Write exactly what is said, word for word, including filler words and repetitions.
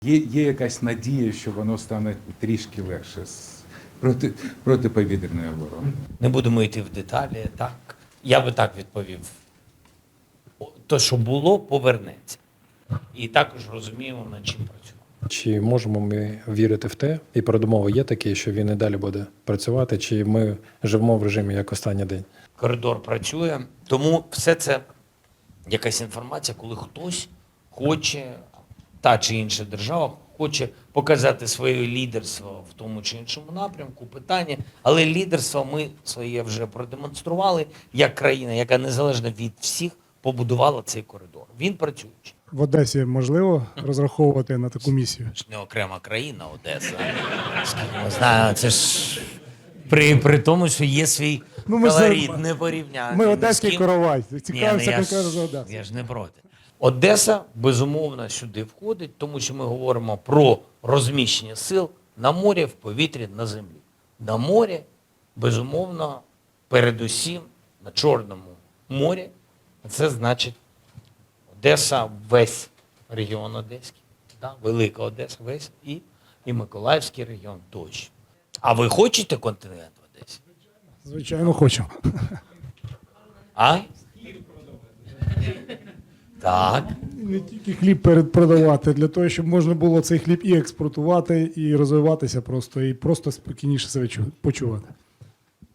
Є, є якась надія, що воно стане трішки легше з проти, протиповітряної оборони. Не будемо йти в деталі, так. Я би так відповів. То, що було, повернеться. І також розуміємо, над чим працюємо. Чи можемо ми вірити в те, і передумови є такі, що він і далі буде працювати, чи ми живемо в режимі як останній день? Коридор працює, тому все це якась інформація, коли хтось хоче, та чи інша держава хоче показати своє лідерство в тому чи іншому напрямку, питання. Але лідерство ми своє вже продемонстрували, як країна, яка незалежно від всіх побудувала цей коридор. Він працюючий. В Одесі можливо розраховувати на таку місію? Це ж не окрема країна Одеса. Скільки ми знаємо, це ж при, при тому, що є свій Ну, ми ж колорит, за- не порівняти. Ми ні з одеський ким. коровай. Ні, Цікавимося ну я ж- конкретно за Одесу. Я ж не проти. Одеса, безумовно, сюди входить, тому що ми говоримо про розміщення сил на морі, в повітрі, на землі. На морі, безумовно, передусім на Чорному морі. Це значить Одеса, весь регіон Одеський, да? Велика Одеса, весь, і, і Миколаївський регіон тощо. А ви хочете континент в Одесі? Звичайно, хочемо. А? Так. Не тільки хліб перед продавати, для того, щоб можна було цей хліб і експортувати, і розвиватися просто, і просто спокійніше себе чу- почувати.